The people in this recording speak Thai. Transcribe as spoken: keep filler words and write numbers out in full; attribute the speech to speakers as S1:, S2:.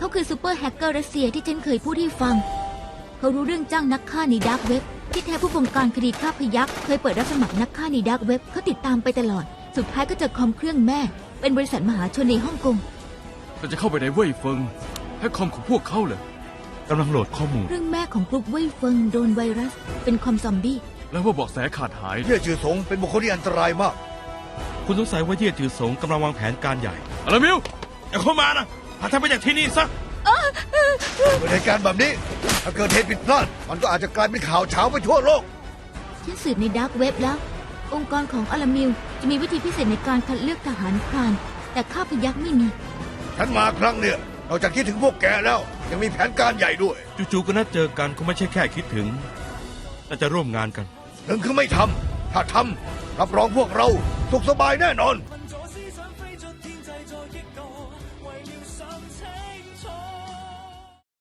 S1: เขาคือซูเปอร์แฮกเกอร์รัสเซียที่ฉันเคยพูดให้ฟังเขารู้เรื่องจ้างนักฆ่าในดาร์กเว็บที่แท้ผู้บงการคดีฆ่าพยัคฆ์เคยเปิดรับสมัครนักฆ่าในดาร์กเว็บเขาติดตามไปตลอดสุดท้ายก็เจอคอมเครื่องแม่เป็นบริษัทมหาชนในฮ่องกง
S2: เราจะเข้าไปในเว่ยเฟิงแฮกคอมของพวกเขาเลย
S3: กำลังโหลดข้อมูล
S1: เรื่องแม่ของกรุ๊ปเว่ยเฟิงโดนไวรัสเป็นคอมซอมบี้
S2: แล้วว่าเบาะแสขาดหาย
S4: เย่จือสงเป็นบุคคลที่อันตรายมาก
S3: คุณสงสัยว่าเย่จือสงกำลังวางแผนการใหญ่
S2: อะไรมิว
S3: อย่าเข้ามานะพาท่านไปจากที่นี่ซะ
S4: เกิดเหตุการณ์แบบนี้ถ้าเกิดเหตุผิดพลาดมันก็อาจจะกลายเป็นข่าวเช้าไปทั่วโลก
S1: ฉันสืบในดาร์กเว็บแล้วองค์กรของอารามิลจะมีวิธีพิเศษในการคัดเลือกทหารพรานแต่ข้าพยัคฆ์ไม่มี
S4: ฉันมาครั้งเนี่ยนอกจากคิดถึงพวกแกแล้วยังมีแผนการใหญ่ด้วย
S3: จู่ๆก็นัดเจอกันคงไม่ใช่แค่คิดถึงน่าจะร่วมงานกัน
S4: หนึ่งคือไม่ทำถ้าทำรับรองพวกเราสุขสบายแน่นอน